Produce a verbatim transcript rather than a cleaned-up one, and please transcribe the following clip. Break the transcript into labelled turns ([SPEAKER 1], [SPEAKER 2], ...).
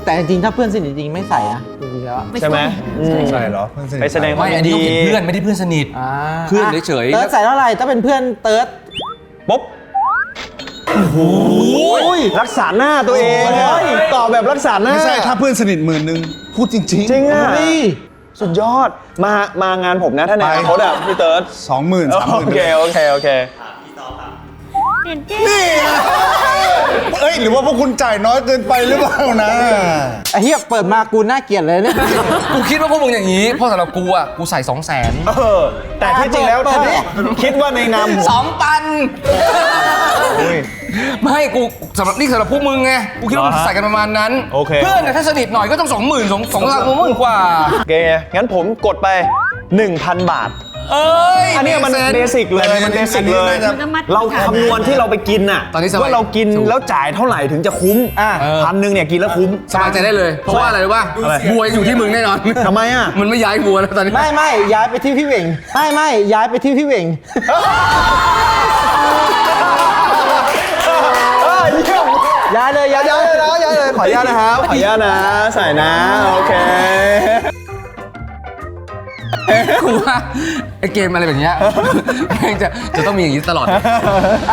[SPEAKER 1] แต่จริงๆถ้าเพื่อนสนิทจริงไม่ใส่นะจริงๆแล้ว
[SPEAKER 2] ใช่ไหม
[SPEAKER 3] ใช่เหรอเพื่อนสนิท
[SPEAKER 2] ไปแสดงความ
[SPEAKER 4] ไม่อันนี้ต้องเห็นเพื่อนไม่ได้เพื่อนสนิท
[SPEAKER 1] อ่า
[SPEAKER 4] เพื่อนเฉยๆ
[SPEAKER 1] เติร์ดใส่เท่าไหร่ถ้าเป็นเพื่อนเติร์ด
[SPEAKER 2] ปุ๊บโอ้ยรักษาหน้าตัวเองตอบแบบรักษาหน้า
[SPEAKER 3] ไม่ใช่ถ้าเพื่อนสนิทหมื่นหนึ่งพูดจริงๆ
[SPEAKER 2] จริงอ่ะ
[SPEAKER 1] เฮ้ย
[SPEAKER 2] สุดยอดมามางานผมนะถ้าในอนาคตอ่ะพี่เติร์ด
[SPEAKER 3] สองหมื่นสามหมื่น
[SPEAKER 2] โอเคโอเคโอเค
[SPEAKER 3] นี่เอ้ยหรือว่าพวกคุณจ่ายน้อยเกินไปหรือเปล่านะ
[SPEAKER 1] ไอ้เหี้ยเปิดมากูน่าเกลียดเลยเนี่ย
[SPEAKER 4] กูคิดว่าพวกมึงอย่างนี้เพราะสำหรับกูอ่ะกูใส่สองแสน
[SPEAKER 2] เออแต่ที่จริงแล้ว
[SPEAKER 1] เปิด
[SPEAKER 2] ถ้า
[SPEAKER 1] ดิ
[SPEAKER 2] คิดว่าในนามผม
[SPEAKER 4] สองตันไม่กูสำหรับนี่สำหรับพวกมึงไงกูคิดว่ามึงใส่กันประมาณนั้น
[SPEAKER 2] โอเค
[SPEAKER 4] เพื่อนเนี่ยถ้าสนิทหน่อยก็ต้องสองหมื่นสองสองหลักหมื่นกว่า
[SPEAKER 2] โอเคงั้นผมกดไป หนึ่งพัน บาท
[SPEAKER 4] เอ้ย
[SPEAKER 2] อันเนี้ยมันเบสิกเลยมันเบสิกเลย เราคำนวณที่เราไปกินน่ะ
[SPEAKER 4] ตอนนี้สบาย
[SPEAKER 2] ว่าเรากินแล้วจ่ายเท่าไหร่ถึงจะคุ้มอ่ะ
[SPEAKER 4] เออ
[SPEAKER 2] พันหนึ่งเนี่ยกินแล้วคุ้ม
[SPEAKER 4] สบายใจได้เลย เพราะว่าอะไรรู้ป่ะ
[SPEAKER 2] อะไร
[SPEAKER 4] บัวยังอยู่ที่มึงแน่นอน
[SPEAKER 2] ทำไมอ่ะ
[SPEAKER 4] มันไม่ย้ายบัวแล้วตอนนี้
[SPEAKER 1] ไม่ไม่ย้ายไปที่พี่เหว่งไม่ไม่ย้ายไปที่พี่เหว่ง
[SPEAKER 2] เออเยี่ยม
[SPEAKER 1] ย้ายเลยย้าย
[SPEAKER 2] ย้ายเลยนะย้ายเลยขออนุญาตนะครับขออนุญาตนะใส่นะโอเค
[SPEAKER 4] กูว่าไอเกมอะไรแบบเนี้ยแม่งจะจะต้องมีอย่างนี้ตลอด